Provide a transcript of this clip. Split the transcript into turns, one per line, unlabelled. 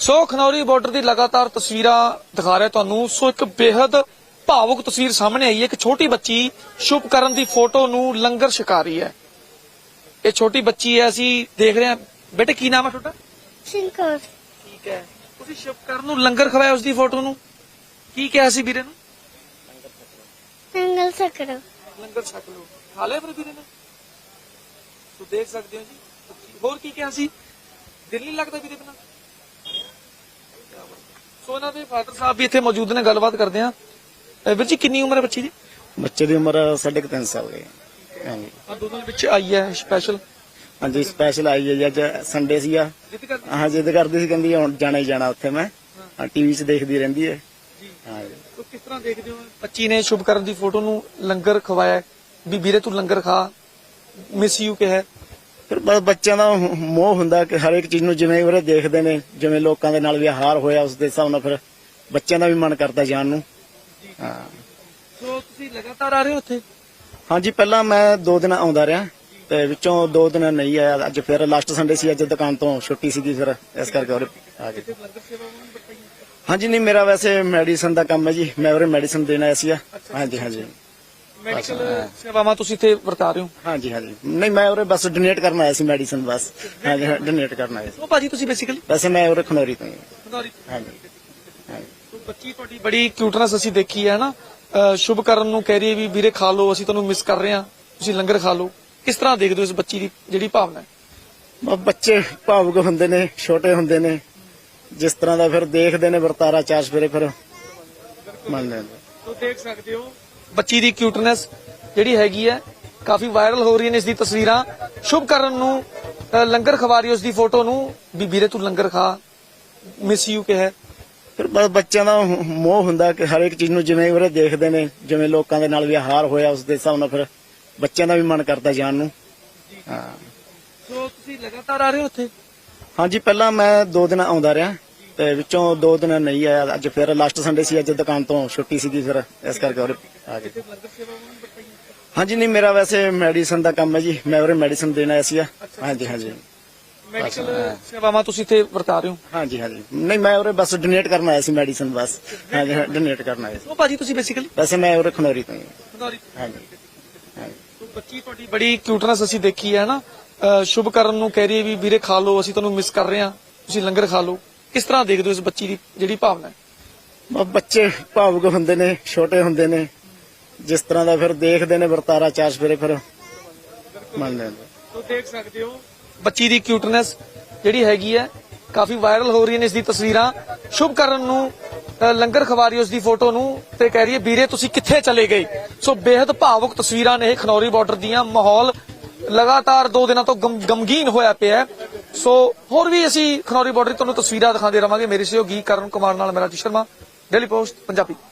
ਸੋ Khanauri border ਦੀ ਲਗਾਤਾਰ ਤਸਵੀਰਾਂ ਦਿਖਾ ਰਿਹਾ ਤੁਹਾਨੂੰ। ਸੋ ਇੱਕ ਬੇहद ਭਾਵੁਕ ਤਸਵੀਰ ਸਾਹਮਣੇ ਆਈ ਹੈ। ਇੱਕ ਛੋਟੀ ਬੱਚੀ ਸ਼ੁਭਕਰਨ ਦੀ ਫੋਟੋ ਨੂੰ ਲੰਗਰ ਛਕਾ ਰਹੀ ਹੈ। ਇਹ ਛੋਟੀ ਬੱਚੀ ਹੈ, ਅਸੀਂ ਦੇਖ ਰਹੇ ਹਾਂ। ਬੇਟੇ ਕੀ ਨਾਮ ਹੈ ਤੁਹਾਡਾ?
ਸਿੰਕਰ
ਠੀਕ ਹੈ, ਤੁਸੀਂ ਸ਼ੁਭਕਰਨ ਨੂੰ ਲੰਗਰ ਖਵਾਇਆ, ਉਸ ਦੀ ਫੋਟੋ ਨੂੰ ਕੀ ਕਿਹਾ ਸੀ ਵੀਰੇ ਨੂੰ?
ਨੰਗਲ ਸਕੜੋ
ਲੰਗਰ ਛਕ ਲਓ। ਖਾ ਲਿਆ ਫਿਰ ਵੀਰੇ ਨੇ? ਤੂੰ ਦੇਖ ਸਕਦੇ ਹੋ ਜੀ। ਹੋਰ ਕੀ ਕਿਹਾ ਸੀ? ਦਿਲ ਨਹੀਂ ਲੱਗਦਾ ਵੀਰੇ ਬਿਨਾਂ? ਸੋ ਇਹਨਾਂ ਦੇ ਫਾਦਰ ਸਾਹਿਬ ਵੀ ਇੱਥੇ ਮੌਜੂਦ ਨੇ, ਗੱਲਬਾਤ ਕਰਦੇ ਆ। ਵੀਰ ਜੀ ਕਿੰਨੀ ਉਮਰ ਹੈ ਬੱਚੀ ਦੀ?
ਬੱਚੇ ਦੀ ਉਮਰ 3.5 ਸਾਲ ਦੀ ਹੈ। ਹਾਂਜੀ
ਆ ਦੋਨਾਂ ਦੇ ਵਿੱਚ ਆਈ ਹੈ ਸਪੈਸ਼ਲ।
ਹਾਂਜੀ ਸਪੈਸ਼ਲ ਆਈ ਹੈ ਜੀ। ਅੱਜ ਸੰਡੇ ਸੀਗਾ। ਹਾਂ ਜਿੱਦ ਕਰਦੀ ਸੀ, ਕਹਿੰਦੀ ਹੁਣ ਜਾਣਾ ਹੀ ਜਾਣਾ ਉੱਥੇ। ਮੈਂ ਟੀਵੀ 'ਚ ਦੇਖਦੀ ਰਹਿੰਦੀ ਹੈ। ਹਾਂ ਜੀ।
ਤੋ ਕਿਸ ਤਰ੍ਹਾਂ ਦੇਖਦੇ ਹੋ ਬੱਚੀ ਨੇ ਸ਼ੁਭਕਰਨ ਦੀ ਫੋਟੋ ਨੂੰ ਲੰਗਰ ਖਵਾਇਆ ਵੀ ਵੀਰੇ ਤੂੰ ਲੰਗਰ ਖਾ, ਮਿਸ ਯੂ ਕਿਹਾ?
ਫਿਰ ਬਸ ਬੱਚਿਆਂ ਦਾ ਮੋਹ ਹੁੰਦਾ ਕਿ ਹਰ ਇੱਕ ਚੀਜ਼ ਨੂੰ ਜਿਵੇਂ ਉਹਰੇ ਦੇਖਦੇ ਨੇ, ਜਿਵੇਂ ਲੋਕਾਂ ਦੇ ਨਾਲ ਵਿਹਾਰ ਹੋਇਆ ਉਸ ਦੇ ਹਿਸਾਬ ਨਾਲ ਫਿਰ ਬੱਚਿਆਂ ਦਾ ਵੀ ਮਨ ਕਰਦਾ ਜਾਣ ਨੂੰ। ਹਾਂ।
ਸੋ ਤੁਸੀਂ ਲਗਾਤਾਰ ਆ ਰਹੇ ਹੋ ਉੱਥੇ?
ਹਾਂਜੀ ਪਹਿਲਾਂ ਮੈਂ 2 ਦਿਨ ਆਉਂਦਾ ਰਿਹਾ ਤੇ ਵਿੱਚੋਂ 2 ਦਿਨ ਨਹੀਂ ਆਇਆ। ਅੱਜ ਫਿਰ ਲਾਸਟ ਸੰਡੇ ਸੀ, ਅੱਜ ਦੁਕਾਨ ਤੋਂ ਛੁੱਟੀ ਸੀਗੀ, ਫਿਰ ਇਸ ਕਰਕੇ ਉਰੇ ਆ ਗਏ। ਹਾਂਜੀ ਨਹੀਂ, ਮੇਰਾ ਵੈਸੇ ਮੈਡੀਸਨ ਦਾ ਕੰਮ ਹੈ ਜੀ। ਮੈਂ ਉਰੇ ਮੈਡੀਸਨ ਦੇਣ ਆਇਆ ਸੀਗਾ। ਹਾਂਜੀ ਹਾਂਜੀ
ਮੈਡੀਕਲ ਸੇਵਾਵਾਂ ਤੁਸੀਂ ਇੱਥੇ ਵਰਤਾ ਰਹੇ ਹੋ?
ਹਾਂਜੀ ਹਾਂਜੀ ਨਹੀਂ, ਮੈਂ ਉਰੇ ਬਸ ਡੋਨੇਟ ਕਰਨ ਆਇਆ ਸੀ ਮੈਡੀਸਨ ਬਸ। ਹਾਂਜੀ ਡੋਨੇਟ ਕਰਨ ਆਇਆ ਸੀ।
ਉਹ ਭਾਜੀ ਤੁਸੀਂ ਬੇਸਿਕਲੀ?
ਵੈਸੇ ਮੈਂ ਉਰੇ ਖਨੌਰੀ ਤੋਂ ਹੀ ਹਾਂ।
ਖਨੌਰੀ।
ਹਾਂਜੀ
ਤੋ ਬੱਚੀ ਤੁਹਾਡੀ ਬੜੀ ਕਿਊਟਨੈਸ ਅਸੀਂ ਦੇਖੀ ਹੈ ਨਾ। ਸ਼ੁਭਕਰਨ ਨੂੰ ਕਹਿ ਰਹੀ ਹੈ ਵੀ ਵੀਰੇ ਖਾ ਲਓ, ਅਸੀਂ ਤੁਹਾਨੂੰ ਮਿਸ ਕਰ ਰਹੇ ਹਾਂ, ਤੁਸੀਂ ਲੰਗਰ ਖਾ ਲਓ। ਕਿਸ ਤਰ੍ਹਾਂ ਦੇਖਦੇ ਹੋ ਇਸ ਬੱਚੀ ਦੀ ਜਿਹੜੀ ਭਾਵਨਾ ਹੈ?
ਬੱਚੇ ਭਾਵੁਕ ਹੁੰਦੇ ਨੇ, ਛੋਟੇ ਹੁੰਦੇ ਨੇ, ਜਿਸ ਤਰ੍ਹਾਂ ਦਾ ਫਿਰ ਦੇਖਦੇ ਨੇ ਵਰਤਾਰਾ ਚਾਰ ਸਵੇਰੇ ਫਿਰ ਮੰਨਦੇ ਨੇ।
ਤੋ ਦੇਖ ਸਕਦੇ ਹੋ ਬੱਚੀ ਦੀ ਕਿਊਟਨੈਸ ਜਿਹੜੀ ਹੈਗੀ ਹੈ, ਕਾਫੀ ਵਾਇਰਲ ਹੋ ਰਹੀ ਨੇ ਇਸ ਦੀ ਤਸਵੀਰਾਂ। ਸ਼ੁਭਕਰਨ ਨੂੰ ਲੰਗਰ ਖਵਾ ਰਹੀ ਉਸ ਦੀ ਫੋਟੋ ਨੂੰ ਵੀ ਵੀਰੇ ਤੂੰ ਲੰਗਰ ਖਾ, ਮਿਸ ਯੂ ਕਿਹਾ?
ਫਿਰ ਬਸ ਬੱਚਿਆਂ ਦਾ ਮੋਹ ਹੁੰਦਾ ਕਿ ਹਰ ਇੱਕ ਚੀਜ਼ ਨੂੰ ਜਿਵੇਂ ਉਹਰੇ ਦੇਖਦੇ ਨੇ, ਜਿਵੇਂ ਲੋਕਾਂ ਦੇ ਨਾਲ ਵਿਹਾਰ ਹੋਇਆ ਉਸ ਦੇ ਹਿਸਾਬ ਨਾਲ ਫਿਰ ਬੱਚਿਆਂ ਦਾ ਵੀ ਮਨ ਕਰਦਾ ਜਾਣ ਨੂੰ। ਹਾਂ।
ਸੋ ਤੁਸੀਂ ਲਗਾਤਾਰ ਆ ਰਹੇ ਹੋ ਉੱਥੇ?
ਹਾਂਜੀ ਪਹਿਲਾਂ ਮੈਂ 2 ਦਿਨ ਆਉਂਦਾ ਰਿਹਾ ਤੇ ਵਿੱਚੋਂ 2 ਦਿਨ ਨਹੀਂ ਆਇਆ। ਅੱਜ ਫਿਰ ਲਾਸਟ ਸੰਡੇ ਸੀ, ਅੱਜ ਦੁਕਾਨ ਤੋਂ ਛੁੱਟੀ ਸੀਗੀ, ਫਿਰ ਇਸ ਕਰਕੇ ਉਰੇ ਆ ਗਏ। ਹਾਂਜੀ ਨਹੀਂ, ਮੇਰਾ ਵੈਸੇ ਮੈਡੀਸਨ ਦਾ ਕੰਮ ਹੈ ਜੀ। ਮੈਂ ਉਰੇ ਮੈਡੀਸਨ ਦੇਣ ਆਇਆ ਸੀਗਾ। ਹਾਂਜੀ ਹਾਂਜੀ
ਮੈਡੀਕਲ ਸੇਵਾਵਾਂ ਤੁਸੀਂ ਇੱਥੇ ਵਰਤਾ ਰਹੇ ਹੋ?
ਹਾਂਜੀ ਹਾਂਜੀ ਨਹੀਂ, ਮੈਂ ਉਰੇ ਬਸ ਡੋਨੇਟ ਕਰਨ ਆਇਆ ਸੀ ਮੈਡੀਸਨ ਬਸ। ਹਾਂਜੀ ਡੋਨੇਟ ਕਰਨ ਆਇਆ ਸੀ।
ਉਹ ਭਾਜੀ ਤੁਸੀਂ ਬੇਸਿਕਲੀ?
ਵੈਸੇ ਮੈਂ ਉਰੇ ਖਨੌਰੀ ਤੋਂ ਹੀ ਹਾਂ।
ਖਨੌਰੀ।
ਹਾਂਜੀ ਹਾਂਜੀ
ਤੋ ਬੱਚੀ ਤੁਹਾਡੀ ਬੜੀ ਕਿਊਟਨੈਸ ਅਸੀਂ ਦੇਖੀ ਹੈ ਨਾ। ਸ਼ੁਭਕਰਨ ਨੂੰ ਕਹਿ ਰਹੀ ਹੈ ਵੀ ਵੀਰੇ ਖਾ ਲਓ, ਅਸੀਂ ਤੁਹਾਨੂੰ ਮਿਸ ਕਰ ਰਹੇ ਹਾਂ, ਤੁਸੀਂ ਲੰਗਰ ਖਾ ਲਓ। ਕਿਸ ਤਰ੍ਹਾਂ ਦੇਖਦੇ ਹੋ ਇਸ ਬੱਚੀ ਦੀ ਜਿਹੜੀ ਭਾਵਨਾ ਹੈ?
ਬੱਚੇ ਭਾਵੁਕ ਹੁੰਦੇ ਨੇ, ਛੋਟੇ ਹੁੰਦੇ ਨੇ, ਜਿਸ ਤਰ੍ਹਾਂ ਦਾ ਫਿਰ ਦੇਖਦੇ ਨੇ ਵਰਤਾਰਾ ਚਾਰ ਸਵੇਰੇ ਫਿਰ ਮੰਨਦੇ ਨੇ।
ਤੋ ਦੇਖ ਸਕਦੇ ਹੋ ਬੱਚੀ ਦੀ ਕਿਊਟਨੈਸ ਜਿਹੜੀ ਹੈਗੀ ਹੈ, ਕਾਫੀ ਵਾਇਰਲ ਹੋ ਰਹੀ ਨੇ ਇਸ ਦੀ ਤਸਵੀਰਾਂ। ਸ਼ੁਭਕਰਨ ਨੂੰ ਲੰਗਰ ਖਵਾ ਰਹੀ ਉਸ ਦੀ ਫੋਟੋ ਨੂੰ ਤੇ ਕਹਿ ਰਹੀ ਹੈ ਵੀਰੇ ਤੁਸੀਂ ਕਿੱਥੇ ਚਲੇ ਗਏ। ਸੋ ਬੇहद ਭਾਵੁਕ ਤਸਵੀਰਾਂ ਨੇ ਇਹ ਖਨੌਰੀ ਬਾਰਡਰ ਦੀਆਂ। ਮਾਹੌਲ ਲਗਾਤਾਰ 2 ਦਿਨਾਂ ਤੋਂ ਗਮਗੀਨ ਹੋਇਆ ਪਿਆ ਹੈ। ਸੋ ਹੋਰ ਵੀ ਅਸੀਂ ਖਨੌਰੀ ਬਾਰਡਰ ਤੁਹਾਨੂੰ ਤਸਵੀਰਾਂ ਦਿਖਾਉਂਦੇ ਰਵਾਂਗੇ। ਮੇਰੇ ਸਹਿਯੋਗੀ ਕਰਨ ਕੁਮਾਰ ਨਾਲ ਮੇਰਾ ਜੀ ਸ਼ਰਮਾ, ਡੇਲੀ ਪੋਸਟ ਪੰਜਾਬੀ।